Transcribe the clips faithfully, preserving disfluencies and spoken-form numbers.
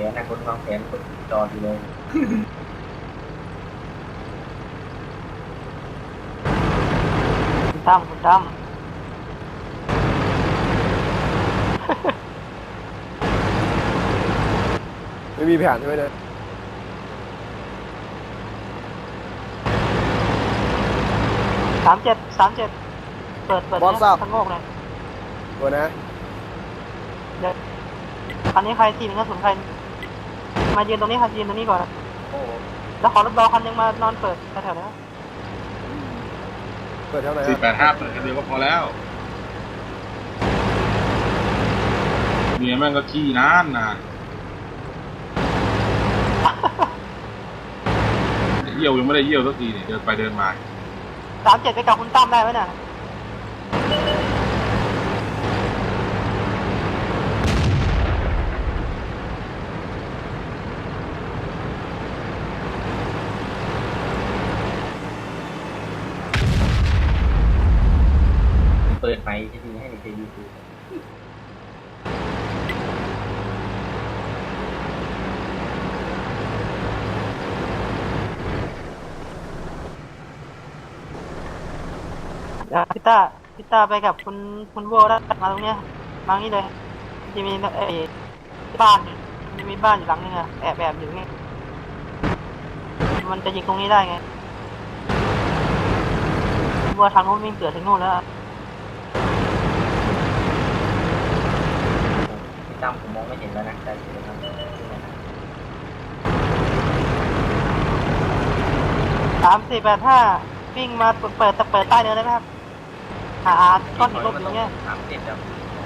นนะคนวางแผนคนจอดีเลยคุณตั้มคุณตั้มไม่มีแผนใช่ไหมเนี่ยสามเจ็ดสามเจ็ดเปิดเปิดเนี่ยทั้งโลกเลยตัวนะเดี๋ยวคันนี้ใครทีมกระสุนใครมายืนตรงนี้ค่ะยืนตรงนี้ก่อนแล้วขอรถดอคันนึงมานอนเปิดแถวๆนี้เปิดเท่าไหร่สี่แปดห้าเปิดกันเดียวก็พอแล้วเมียแม่งก็ขี้นานนานเยี่ยวยังไม่ได้เยี่ยวสักทีเนี่ยเดินไปเดินมาสามเจ็ดไปกับคุณตั้มได้ไหมเนี่ยเปิดไฟจะดีให้ในเจยูทูพี่ต้าพี่ต้าไปกับคุณคุณโบได้มาตรงเนี้ยมาตรงนี้เลยจะมีไอ้บ้านจะมีบ้านอยู่หลังนึงอะแอบแอบอยู่นี่มันจะยิงตรงนี้ได้ไงวัวทางโน้นวิ่งเกิดถึงโน่นแล้วพี่ตั้มผมมองไม่เห็นแล้วนะแต่เดี๋ยวนะสามสี่แปดห้าวิ่งมาเปิดเปิดเปิดใต้เนินได้ไหมครับหาก้อนหินลบอยู่เงี้ยสามเจ็ดแบบ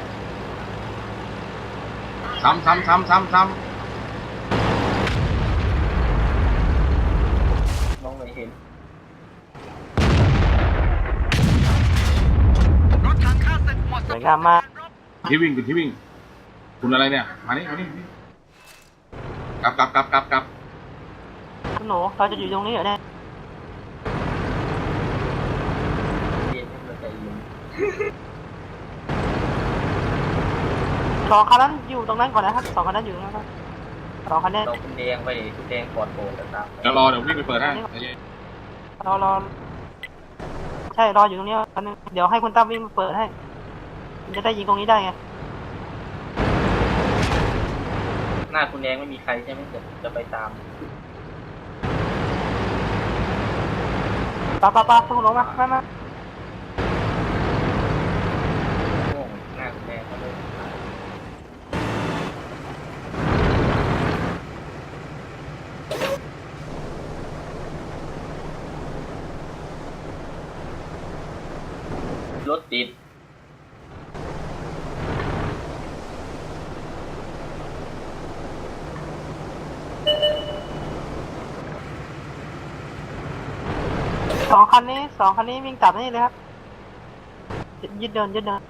ซ้ำซ้ำซ้ำซ้ำซ้ำมองไม่เห็นสวยงามมากที่วิ่งคุณที่วิ่งคุณอะไรเนี่ยมานี่มานี่กลับกลับกลับกลับกลับคุณหนูเราจะอยู่ตรงนี้เหรอเนี่ยเย็นให้มันใจเย็นสองคันนั้นอยู่ตรงนั้นก่อนนะครับสองคันนั้นอยู่ตรงนั้นครับสองคันนี้เราคุณแดงไปคุณแดงปลอดโปร่งแล้วตามเดี๋ยวรอเดี๋ยววิ่งไปเปิดให้รอรอใช่รออยู่ตรงนี้คันนึงเดี๋ยวให้คุณตั้มวิ่งมาเปิดให้มันจะได้ยิงตรงนี้ได้ไงหน้าคุณแดงไม่มีใครใช่ไหมจะจะไปตามปาปาปาคุณหนูมามามาโง่หน้าคุณแดงเขาเลยรถติดสองคันนี้สองคันนี้วิ่งกลับนี่เลยครับยึดเดินยึดเดิน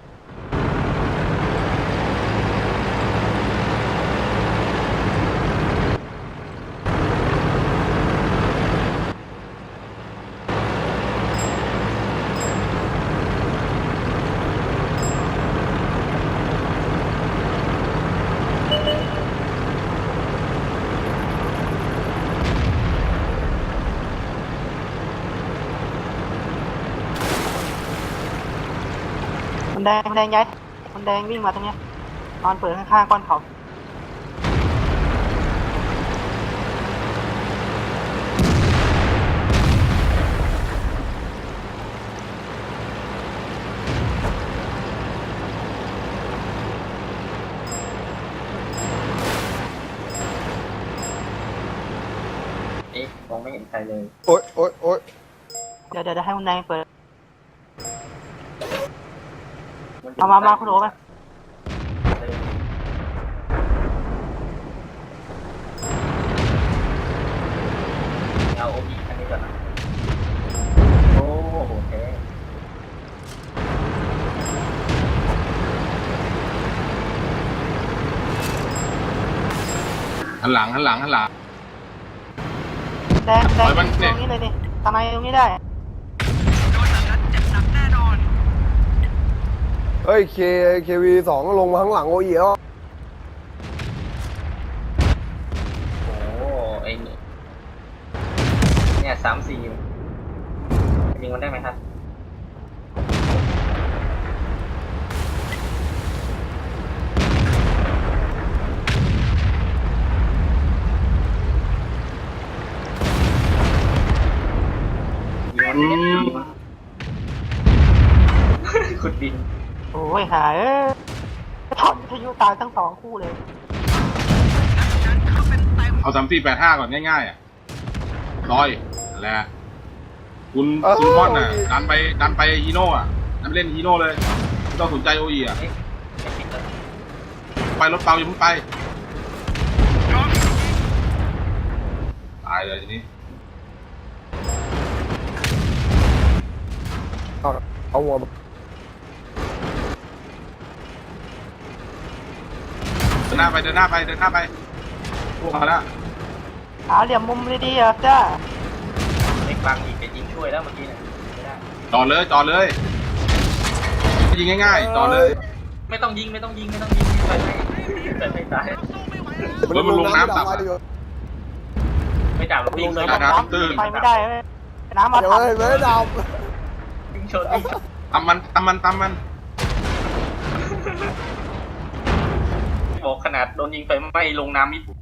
คนแดงคนแดงย้ายคนแดงวิ่งมาตรงเนี้ยนอนเปิดข้างๆก้อนเขาเอ๊ะมองไม่เห็นใครเลยโอ๊ยโอ๊ยโอ๊ยเดี๋ยวเดี๋ยวให้คนแดงเปิดเอามามาคุณหนูมาเอาโอบีคันนี้ก่อนนะโอ้โหแท้หันหลังหันหลังหันหลังแดงแดงตรงนี้เลยดิทำไมตรงนี้ได้เฮ้ยเคเควีสองลงมาข้างหลังโอเอ๋อสามสี่ยิงมันได้ไหมครับยิงมันเนี่ยยิงมันขุดดินโอ้ยหายเอ้ยถอดวิทยุตายทั้งสองคู่เลยเอาสามสี่แปดห้าก่อนง่ายๆอ่ะลอยนั่นแหละคุณคุณมอนน่ะดันไปดันไปฮีโน่อ่ะดันไปเล่นฮีโน่เลยไม่ต้องสนใจโออีอ่ะเอ๊ะไม่ปิดแล้วไปรถเปล่าอย่าเพิ่งไปตายเลยทีนี้เอาเอาหัวเดินหน้าไปเดินหน้าไปเดินหน้าไปพวกมาแล้วหาเหลี่ยมมุมดีๆอ่ะจ้าเล็กบางอีกจะยิงช่วยแล้วเมื่อกี้เนี่ยไม่ได้จอดเลยจอดเลยยิงง่ายๆจอดเลยไม่ต้องยิงไม่ต้องยิงไม่ต้องยิงไปไม่ไปไม่ตายรถมันลงน้ำตับอะไม่จับหรอกวิ่งเลยลงน้ำตื้นไปไม่ได้เว้ยน้ำมาเดี๋ยวทับไม่ไม่ดวิ่งชนวิ่งชนตำมันตำมันตำมันบอกขนาดโดนยิงไปไม่ลงน้ำมิด